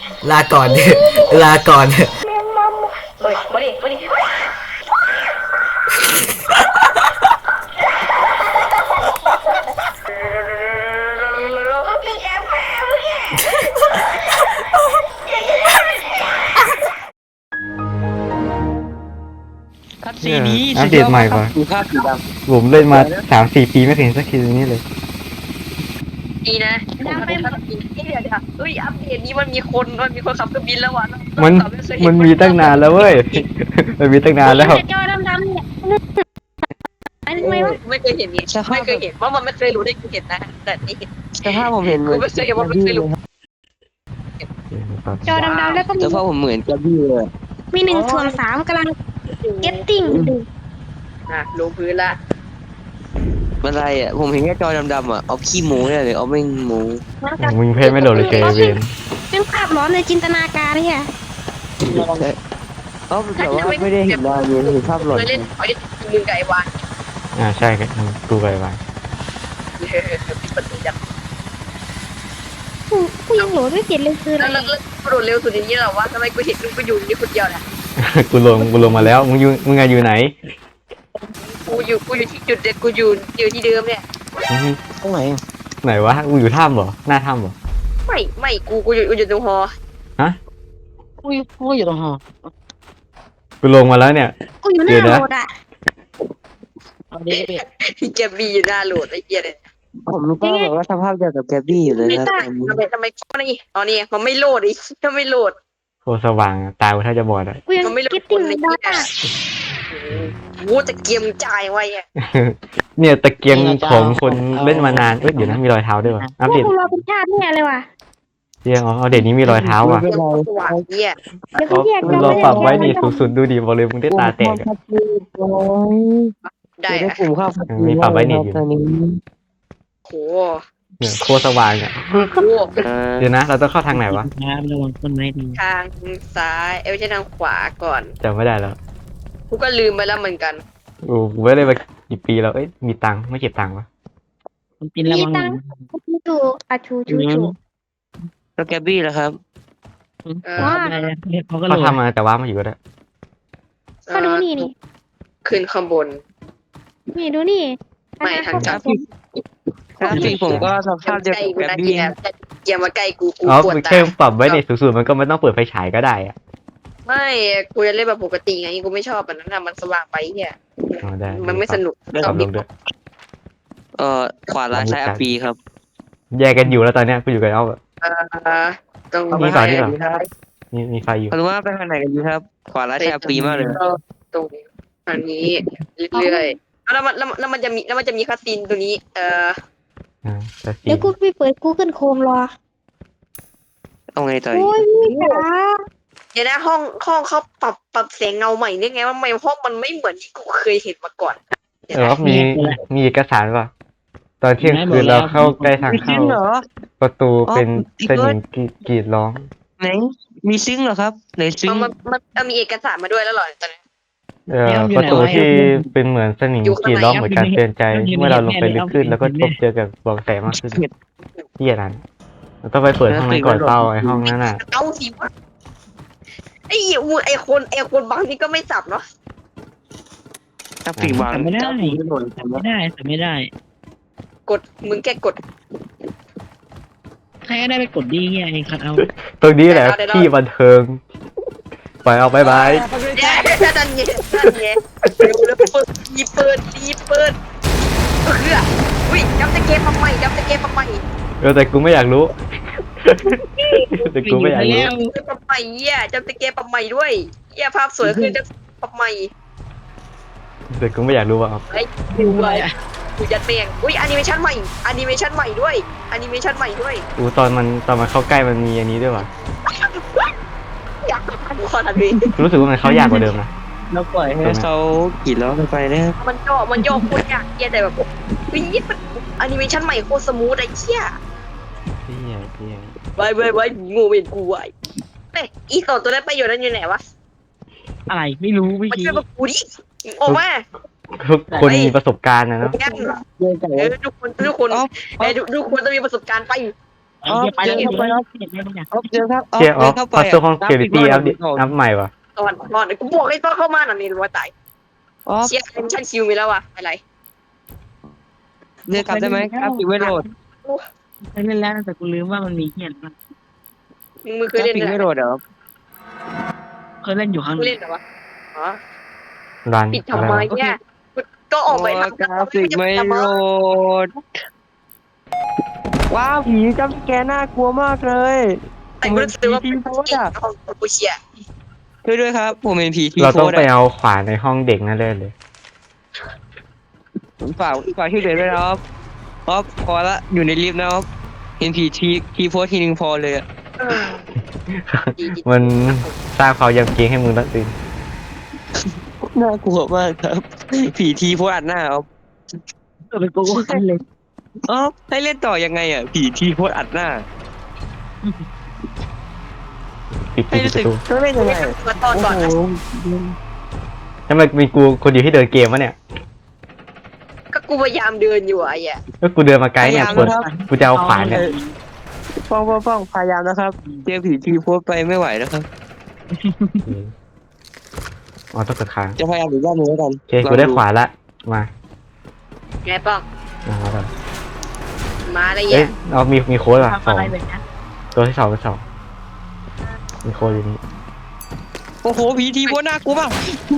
ลาก่อนลาก่อนเฮ้ยมาดิมาดิคัดซีนี้อัปเดตใหม่ป่ะดูภาพสีดำผมเล่นมา3-4 ปีไม่เคยเห็นสักทีนี้เลยดีนะผมไม่คัดซีนี่เดี๋ยวเฮ้ยอัปเดตนี้มันมีคนขับเครื่องบินแล้ววะมันมีตั้งนานแล้วเว้ยมันมีตั้งนานแล้วจอดำๆเนี่ยอันนี้ไม่วะไม่เคยเห็นนี่ไม่เคยเห็นว่ามันไม่เคยรู้ได้กูเห็นนะแต่นี่เห็นสภาพผมเห็นเหมืกูอนไม่เคยเห็นว่าไม่เคยรู้จอดำๆแล้วก็มีสภาพผมเหมือนกับพี่เลยมี1/3กำลัง getting ลงพื้นละอะไรอ่ะผมเห็นแค่จอดำๆอ่ะเอาขี้หมูเนี่ยเลยเอาไม่หมูมึงเพศไม่โหลดเลยเจเวนเป็นภาพร้อนในจินตนาการเนี่ยเอ้าแต่ว่าไม่ได้เห็นดาวเลยเห็นภาพหลอนเคยเล่นไอ้มือไก่วานใช่ครับกูไปไปปิดประตูจับกูยังโหลดไม่เสร็จเลยคืออะไรแล้วกระโดดเร็วสุดอย่างนี้เหรอวะทำไมกูเห็นกูอยู่นี่คนเดียวเนี่ยกูลงมาแล้วมึงอยู่ไหนกูอยู่ที่จุดเด็ดกูอยู่ที่เดิมเนี่ยตรงไหนไหนวะกูอยู่ถ้ำเหรอหน้าถ้ำเหรอไม่กูอยู่ตรงหอกูอยู่ตรงหอกูลงมาแล้วเนี่ยกูอยู่หน้าโหลดอ่ะเอาดิพี่ที่แกบีอยู่หน้าโหลดไอ้เหี้ยเนี่ยผมรู้ป่ะแบบว่าสภาพเดียวกับแกบี้อยู่เลยนะทำไมนี่อ๋อนี่มันไม่โหลดอีกถ้าไม่โหลดโคตรสว่างอะตากูถ้าจะบอดอะกูยัง getting ดอทอ่ะกูจะเกียมจ่ายไว้อะเนี่ยตะเกียงของคนเล่นมานานเดี๋ยวนะมีรอยเท้าด้วยวะอัปเดตกูรอเป็นชาติเนี่ยเลยว่ะเตียงเอาเด็ดนี้มีรอยเท้าอ่ะเกียมสว่างเหี้ยเดี๋ยวกูแยกมันรอปรับไว้นี่สูงสุดดูดีบอกเลยมึงได้ตาแตกอะได้ได้อะกลุ่มข้าวตอนนี้โหเนี่ยโคตรสว่างอ่ะโหเดี๋ยวนะเราต้องเข้าทางไหนวะระวังต้นไม้ดีทางซ้ายไม่ใช่ทางขวาก่อนจำไม่ได้แล้วกูก็ลืมไปแล้วเหมือนกันกูไม่ได้มากี่ปีแล้วมีตังค์ไม่เก็บตังค์วะกินระมีวังตังค์ชูชูแล้วแกบี้ล่ะครับว่าเขาทำมาแต่ว่ามาอยู่ก็ได้ก็ดูนี่นี่ขึ้นข้างบนนี่ดูนี่ไม่ทางจับกราฟิกผมก็สภาพเดียวกับแกบี้อย่ามาใกล้กูอ๋อปวดตาแค่ปรับไว้ในสูงสุดมันก็ไม่ต้องเปิดไฟฉายก็ได้อะไม่กูจะเล่นแบบปกติไงกูไม่ชอบแบบนั้นนะมันสว่างไปเนี่ยอ๋อได้มันไม่สนุกปรับลงด้วยขวาร้ายซ้ายปีครับแยกกันอยู่แล้วตอนเนี้ยกูอยู่กับเอาแบบตรงมีก่อนที่แบบมีไฟอยู่เอาว่าไปทางไหนกันดีครับ ขวาร้ายซ้ายปีมากเลยตรงอันนี้เรื่อยๆแล้วมันจะมีคาสินตัวนี้แต่สีเดี๋ยวกูไปเปิด Google Chrome รอเอาไงต่อโอ้ยมีจ๋าเดี๋ยวนะห้องเขาปรับแสงเงาใหม่นี่ไงว่าไม่ห้องมันไม่เหมือนที่กูเคยเห็นมาก่อนมีเอกสารป่ะตอนเที่ยงคืนเราเข้าใกล้ทางเข้าเหรอประตูเป็นสนิมกรีดร้องไหนมีซึ้งเหรอครับไหนซึ้งมันมีเอกสารมาด้วยแล้วหรอตอนนี้ประตูที่เป็นเหมือนสนิมกรีดร้องเหมือนการเตือนใจเมื่อเราลงไปลึกขึ้นแล้วก็พบเจอกับบอกแสมากขึ้นที่อย่างนั้นเราต้องไปเปิดห้องนั้นก่อนเป้าไอ้ห้องนั้นน่ะเอาสิวะไอ้คนบางนี่ก็ไม่สับเนาะกราฟิกวางไม่ได้ ไม่ได้กดมึงแกกดใครก็ได้ไปกดดีเงี้ยไอ้คัดเอาตรงนี้แหละที่บันเทิงไปเอาบายบายนั่นไงเร็วเปิดอุ้ยจำตะเกียบมาใหม่แต่กูไม่อยากรู้แต่กูไม่อยากรู้ปรับใหม่เหี้ยจำตะเกียบปรับใหม่ด้วยเหี้ยภาพสวยขึ้นจะปรับใหม่แต่กูไม่อยากรู้ว่าดูไว้กูยัดเมียงอุ้ยแอนิเมชันใหม่ด้วยกูตอนมันเข้าใกล้มันมีอันนี้ด้วยว่ะอยากกูขอทันทีกูรู้สึกว่ามันเข้ายากกว่าเดิมนะเราปล่อยให้เขากี่ล้อกันไปนะครับมันย่อโคตรยากเหี้ยแต่แบบวิ่งยิดมันแอนิเมชันใหม่โคตรสมูทไอ้เหี้ยเหี้ยไว้งูเป็นกูไว้อีสองตัวนั้นไปอยู่นั่นอยู่ไหนวะอะไรไม่รู้ไม่มันชี้ช่วยมากูดิออกมาทุกคนมีประสบการณ์นะเนาะงั้นทุกคนทุกคนต้องมีประสบการณ์ไปไอ้เหี้ยไปแล้วไปแล้วเห็นไหมเนี่ยออฟเจอครับเชี่ยออฟเข้าไปพัซเซิลห้อง security อัพใหม่วะตอนกูบอกให้ตอนเข้ามาหน่ะนี่รู้ว่าตายออฟเชียร์ฉันคิวมีแล้วว่ะอะไรเรียกกลับได้ไหมครับปิดไว้โหลดเคยเล่นแล้วแต่กูลืมว่ามันมีเหี้ยนะมึงเคยเล่นปิดไหมไว้โหลดเหรอเคยเล่นอยู่ครั้งมึงนึเล่งนเหรอวะอ๋อรันปิดอะไรทำไมวะเนี่ยก็ออกไปโอ้ทำกราฟิกไม่โหลดว้าวผีจำแกน่ากลัวมากเลยแต่กูรู้สึกว่าเป็นเก่งของกูเชียร์ช่วยด้วยครับผมเป็นผีที่เราโพต้องสต์ไปอะเอาขวานในห้องเด็กนั่นเลยฝากช่วยเหลือด้วยนะออฟพอละอยู่ในลิฟต์นะออฟเห็นผีทีโพสต์ทีนึงพอเลยอะมันสร้างความยำเกรงให้มึงตั้งตื่นน่ากลัวมากครับผีทีโพสต์อัดหน้าออฟเป็นกูก็เล่นออฟให้เล่นต่อยังไงอ่ะผีทีโพสต์อัดหน้าปิดให้ปิดรู้ปสึกระตูต้องเล่นยังไงมาตอนก่อนนะโอ้โหทำไมมีกูคนเดียวที่เดินเกมวะเนี่ยก็กูพยายามเดินอยู่ไอ้อะก็กูเดินมาไกลเนี่ยควรกูจะเอาขวานเนี่ยฟ้องพยายามนะครับเจอผีทีโพสต์ไปไม่ไหวนะครับอ๋อต้องกดค้างจะพยายามอีกรอบหนึงแล้วกันโอเคกูได้ขวานละมาไงป้องมาแล้วมาอะไรเอ๊ะเงี้ยเอามีโค้ดว่ะทำสออะงไรแบบนี้ตัวที่สองเป็นสองมีโค้ดอยู่นี่โอ้โหผีทีโพสต์น่ากลัวมาก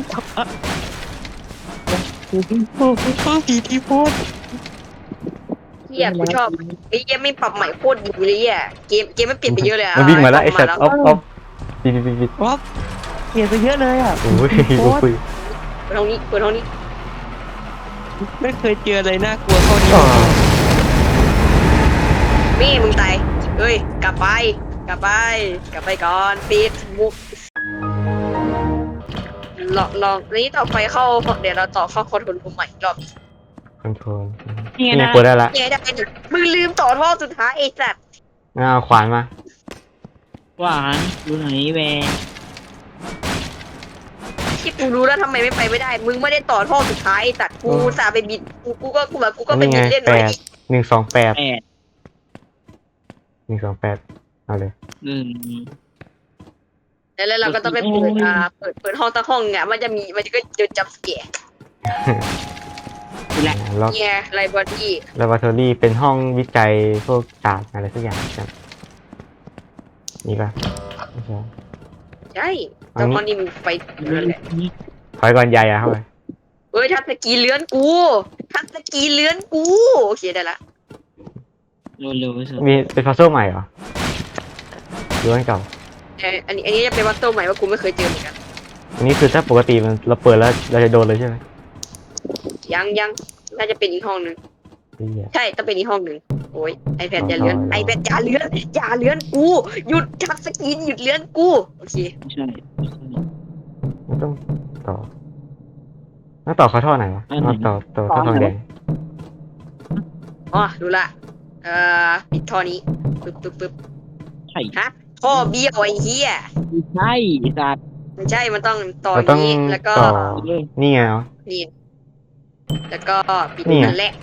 โอ้โหผีทีโพสต์เฮียกูชอบไอ้เกมไม่ปรับใหม่โคตรดีเลยอ่ะเกมไม่เปลี่ยนไปเยอะเลยอ่ะมันวิ่งมาแล้วไอ้สัตว์ออฟปิดออฟเปลี่ยนไปเยอะเลยอ่ะโอ้ยกูคุยเปิดห้องนี้เปิดห้องนี้ไม่เคยเจออะไรน่ากลัวเท่านี้อ๋อมี่มึงตายเอ้ยกลับไปก่อนปิดมุกลองนี้ต่อไปเข้าเดี๋ยวเราต่อเข้าคอนโทรลรูมใหม่อีกรอบคอนโทรลนี่นี่นะกูได้ละเนี่ยได้มึงลืมต่อท่อสุดท้ายไอ้สัตว์งั้นเอาขวานมาหวานดูไหนแวร์ที่กูรู้แล้วทำไมไม่ได้มึงไม่ได้ต่อท่อสุดท้ายไอ้สัตว์กูสาไปบิดกูก็ไปนี่ไงบิดเล่นแปไว้ด128 แปด 128เอาเลยแล้วเราก็ต้องไปเปิดห้องตั้งห้องอ่ะมันก็จะจับเสียล็อกเนี่ยไลบรารีลาบอราทอรี่เป็นห้องวิจัยพวกศาสตร์อะไรสักอย่างครับนี่ปะไม่ใช่ใช่แต่ห้องนี้มึงไปนั่นแหละถอยก่อนใหญ่อะเข้าไปเอ้ยทัศกีเลื้อนกูโอเคได้ละเร็วๆไปสุดมีเป็นพัซเซิลใหม่เหรอหรือว่าอันเก่าอันนี้จะเป็นวัตถุใหม่ว่ากูไม่เคยเจอเหมือนกันอันนี้คือถ้าปกติมันเราเปิดแล้วเราจะโดนเลยใช่ไหมยังน่าจะเป็นอีกห้องหนึ่งเหี้ยใช่ต้องเป็นอีกห้องหนึ่งโอ้ยไอแพดอย่าเลื้อนไอแพดอย่าเลื้อนกูหยุดทัชสกรีนหยุดเลื้อนกูโอเคใช่มันต้องต่อเขาท่อไหนวะต่อท่อทองแดงอ๋อรู้ละปิดท่อนี้ปึ๊บใช่ฮะท่อเบี้ยวไอ้เหี้ยใช่สัตว์ไม่ใช่มันต้องต่อเราต้องนี้แล้วก็ต่อนี่ไงเนาะนี่แล้วก็ปิดนี่ไงนั่นแหละ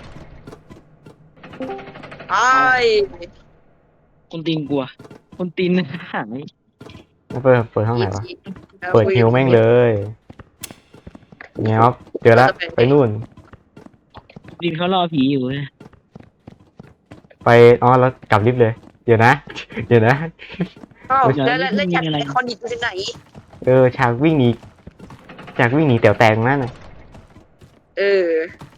ไอ้คนตีนกลัวคนตีนหายแล้วเปิดห้องไหนวะเปิดฮิวแม่งเลยเงี้ยครับเจอละไปนู่นตีนเขารอผีอยู่นะไปแล้วกลับลิฟต์เลยเดี๋ยวนะอ้าวแล้วจัดไอคอนิกเป็นไหนฉากวิ่งหนีแต๋วแตงนั่นน่ะเออ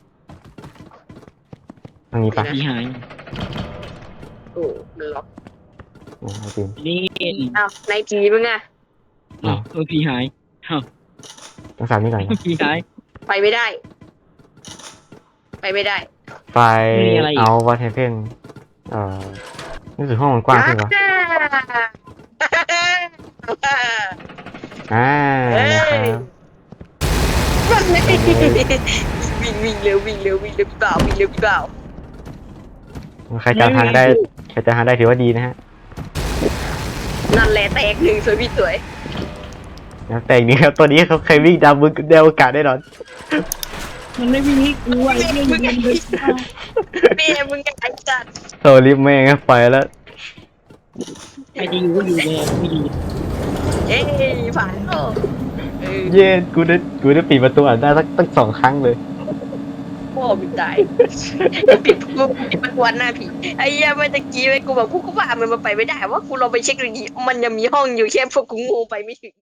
ทางนี้ปะผีหายโอ้มันล็อกเอาจริงนี่อ้าวในผีมึงอะผีหายต้องสามนี่ก่อนนะผีหายไปไม่ได้ไฟเอาวัตเทเพนนี่คือห้องมันกว้างขึ้นวะนะครับวิ่งเร็วพี่บ่าวใครจำทางได้ถือว่าดีนะฮะนั่นแหละแตกหนึ่งสวยพี่สวยแล้วแต่อย่างนี้ครับตัวนี้เขาเคยวิ่งดาวมึงเดวอากาศได้นอนมันไม่วิ่งให้กูไอ้เนี่ยมึงไงจัดโซลิฟแม่งไปแล้วใครจะอยู่ก็อยู่เลยไม่ดีเอ้ยผ่านแล้วเย้กูได้ปิดประตูอ่านได้ตั้ง2 ครั้งเลยพ่อมีตายปิดประตูหน้าผีไอ้เหี้ยเมื่อตะกี้ไอ้กูบอกพวกกูว่ามันไปไม่ได้ว่ากูลองไปเช็คดูดีมันยังมีห้องอยู่แค่พวกกูงูไปไม่ถึง